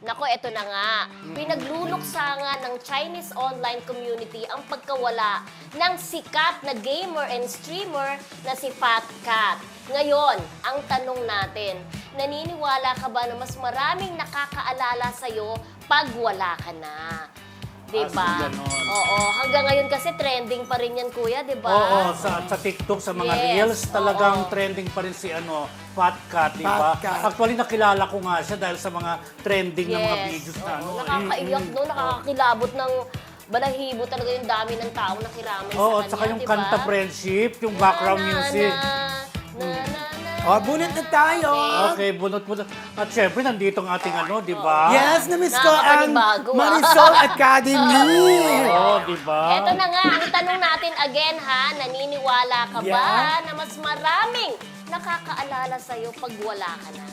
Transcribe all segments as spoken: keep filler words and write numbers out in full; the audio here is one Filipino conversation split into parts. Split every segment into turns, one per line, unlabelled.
Nako, eto na nga. Pinagluluksa ng Chinese online community ang pagkawala ng sikat na gamer and streamer na si Fat Cat. Ngayon, ang tanong natin, naniniwala ka ba na mas maraming nakakaalala sa'yo pag wala ka na? Diba?
Ah, so ganon.
Oo. Hanggang ngayon kasi trending pa rin yan, kuya, diba?
Oo, sa, sa TikTok, sa mga
Yes,
reels, talagang
oo.
trending pa rin si ano, Fat Cat, di ba?
Fat Cat.
Actually, nakilala ko nga siya dahil sa mga trending na mga videos na ano.
Oo, nakakaiyak no, nakakakilabot ng balahibo talaga yung dami ng tao na kiramay
Oo,
sa
at saka
kanya,
yung
diba?
kanta friendship, yung background
Na, na,
music.
Na, na, na, na,
O, bunot na tayo.
Okay, bunot-bunot. At syempre, nandito ang ating ano, di ba?
Yes, na-miss ko ang
Nakakapanibago, ah.
Marisol Academy.
Oo, di ba?
Eto na nga, ang tanong natin again ha, naniniwala ka ba
Yeah.
na mas maraming nakakaalala sa'yo pag wala ka na?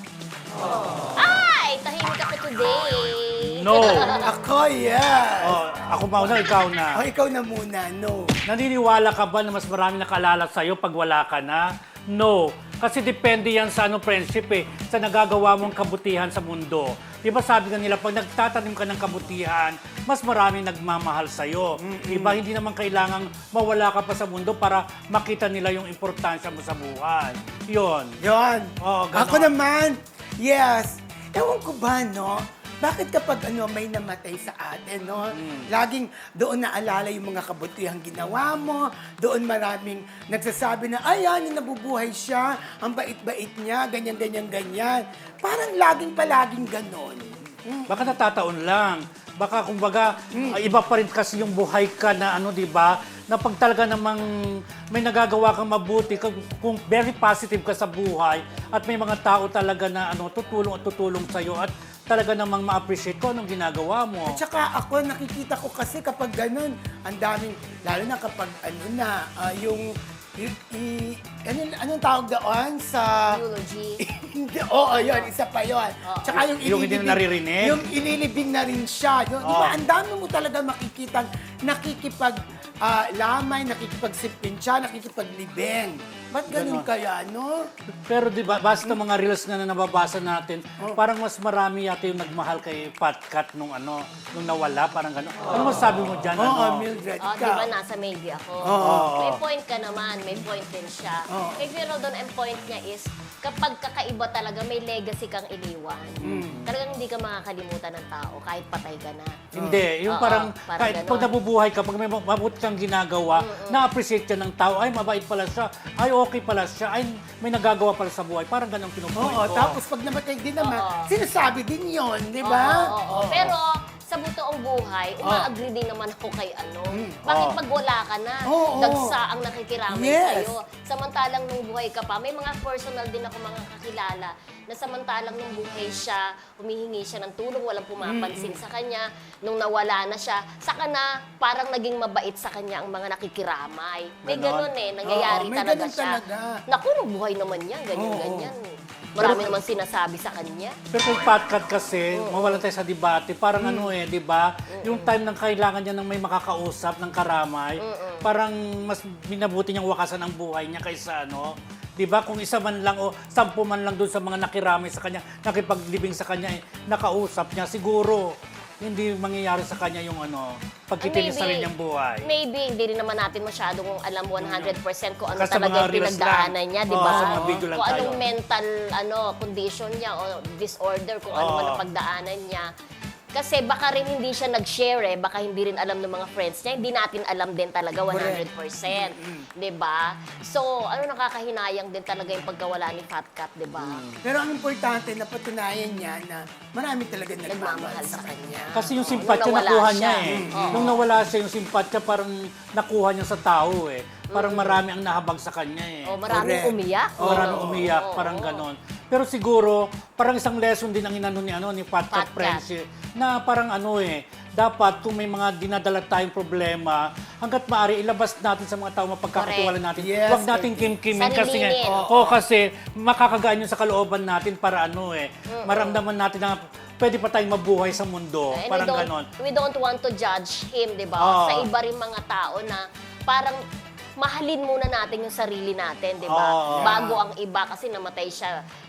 Ay, tahimik ako today.
No.
Ako, yes.
Oh, ako mauna, ikaw na.
O, ikaw na muna, no.
Naniniwala ka ba na mas marami nakaalala sa'yo pag wala ka na? No. Kasi depende yan sa ano, friendship eh, sa nagagawa mong kabutihan sa mundo. Di ba sabi nga nila, pag nagtatanim ka ng kabutihan, mas marami nagmamahal sa'yo. Di ba hindi naman kailangang mawala ka pa sa mundo para makita nila yung importansya mo sa buhay. Yun.
Yon.
Oo, ganon.
Ako naman, yes. Ewan ko ba, no? Bakit kapag ano may namatay sa atin, no? Laging doon naalala yung mga kabutihang ginawa mo, doon maraming nagsasabi na, ay, yan, nabubuhay siya, ang bait-bait niya, ganyan, ganyan, ganyan. Parang laging palaging ganon.
Baka natataon lang. Baka kumbaga, ah, iba pa rin kasi yung buhay ka na ano, di ba? Na pag talaga namang may nagagawa kang mabuti, kung, kung very positive ka sa buhay, at may mga tao talaga na ano, tutulong at tutulong sa'yo, at talaga namang ma-appreciate ko anong ginagawa mo.
At saka ako, nakikita ko kasi kapag ganun, ang daming, lalo na kapag ano na, ah, yung, y- y- ano, anong tawag doon sa...
Eulogy.
Hindi, oo, yun, isa pa yun. Tsaka yung,
Yung hindi na
ililibing-
naririnig?
Yung ililibing na rin siya. Yung, Di ba,
Oo.
ang dami mo talaga makikita, nakikipag ah, lamay, nakikipagsipin siya, nakikipaglibing. Ba't ganun
Ganon.
kaya, no?
Pero di ba, basta mga reels nga na nababasa natin,
Oh.
parang mas marami yata yung nagmahal kay Fat Cat nung ano, nung nawala, parang gano'n. Ano masabi mo dyan?
Oo,
ano?
Mildred,
Oh, di
ikaw.
ba nasa maybe ako?
Oo.
May point ka naman, may point din siya.
Oo.
Eh, pero doon ang point niya is, kapag kakaiba talaga, may legacy kang iniwan. Talagang hindi ka makakalimutan ng tao kahit patay ka na.
Hindi, yung
Oo,
parang,
parang
kahit
ganon.
pag nabubuhay ka, pag may mabuti kang ginagawa, na-appreciate ka ng tao, ay mabait pala siya, ay okay pala siya, ay may nagagawa pala sa buhay. Parang ganun pinupoint
Oo,
ko.
tapos pag namatay din naman,
Oo.
sinasabi din yun, di
Oo,
ba?
oo, oo. Pero sa butoong buhay, uma-agree din naman ako kay ano. Bakit
Oo.
pag wala ka na,
Oo.
dagsa ang nakikiramay
Yes.
sa'yo. Samantalang nung buhay ka pa, may mga personal din ako mga kakilala na samantalang nung buhay siya, humihingi siya ng tulong, walang pumapansin sa kanya. Nung nawala na siya, saka na parang naging mabait sa kanya ang mga nakikiramay. May
Ganon.
ganun eh, nangyayari
Oo, may
talaga
ganun
siya.
talaga.
Naku, nung buhay naman yan, ganyan-ganyan. Marami naman sinasabi sa kanya.
Pero kung Fat Cat kasi, mawalan tayo sa debate, parang ano eh, di ba? Yung time ng kailangan niya ng may makakausap, ng karamay, parang mas minabuti niyang wakasan ang buhay niya kaysa ano, di ba? Kung isa man lang o sampu man lang doon sa mga nakiramay sa kanya, nakipaglibing sa kanya, eh, nakausap niya, siguro, hindi mangyayari sa kanya yung ano, pagkitin niya sa
Maybe.
kanyang buhay.
Maybe, hindi rin naman natin masyadong alam one hundred percent kung ano
Kasi sa
talaga
mga
yung
reels
pinagdaanan
lang.
niya, di
Oo,
ba?
sa mga video lang
Kung
tayo.
anong mental ano condition niya o disorder, kung ano
Oo.
man ang pagdaanan niya. Kasi baka rin hindi siya nag-share eh, baka hindi rin alam ng mga friends niya, hindi natin alam din talaga one hundred percent. Di ba? So, ano nakakahinayang din talaga yung pagkawala ni Fat Cat, di ba?
Pero ang importante, napatunayan niya na marami talaga nagmamahal
Nagmamahal
sa
sa
kanya.
Kasi yung
Oo,
simpatya
nung nawala
nakuha
siya.
niya eh.
Oo.
Nung nawala siya, yung simpatya parang nakuha niya sa tao eh. Parang marami ang nahabag sa kanya eh.
O, maraming
Correct.
umiyak.
Oh, maraming
Oo,
umiyak,
oo,
parang
oo.
ganon. Pero siguro, parang isang lesson din ang inano ni, ano, ni Fat
Fat
Cat
Cat.
Friendship na parang ano eh, dapat kung may mga dinadala tayong problema, hanggat maaari ilabas natin sa mga tao mapagkakatiwala natin.
Yes,
Huwag natin
correct.
kimkimin kasi nga,
Sarilinin.
oo, kasi makakagaan yun sa kalooban natin para ano eh, maramdaman natin na pwede pa tayong mabuhay sa mundo.
And
parang
we don't,
ganon.
we don't want to judge him, di ba?
Oo.
Sa iba rin mga tao na parang mahalin muna natin yung sarili natin, di ba?
Oo.
Bago ang iba kasi namatay siya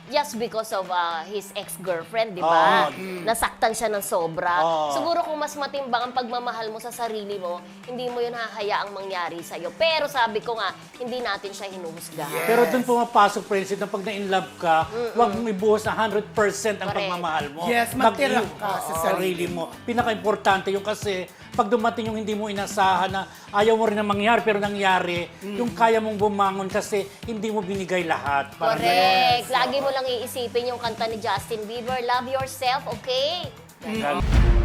just because of uh, his ex-girlfriend, di ba?
Oo.
Nasaktan siya ng sobra.
Oo.
Siguro kung mas matimbang ang pagmamahal mo sa sarili mo, hindi mo yun hahayaang mangyari sa'yo. Pero sabi ko nga, hindi natin siya hinuhusga.
Yes.
Pero doon pumapasok, Princess, na pag na-inlove ka, huwag mong ibuhos na one hundred percent ang
Correct.
pagmamahal mo.
Yes, magtira
Mag-i-
ka sa
Oo,
sarili
mo. Pinaka-importante yung kasi, pag dumating yung hindi mo inasahan na ayaw mo rin na mangyari, pero nangyari, yung kaya mong bumangon kasi hindi mo binigay lahat. Parang
Correct. Lagi mo lang iisipin yung kanta ni Justin Bieber, Love Yourself, okay?
ganun.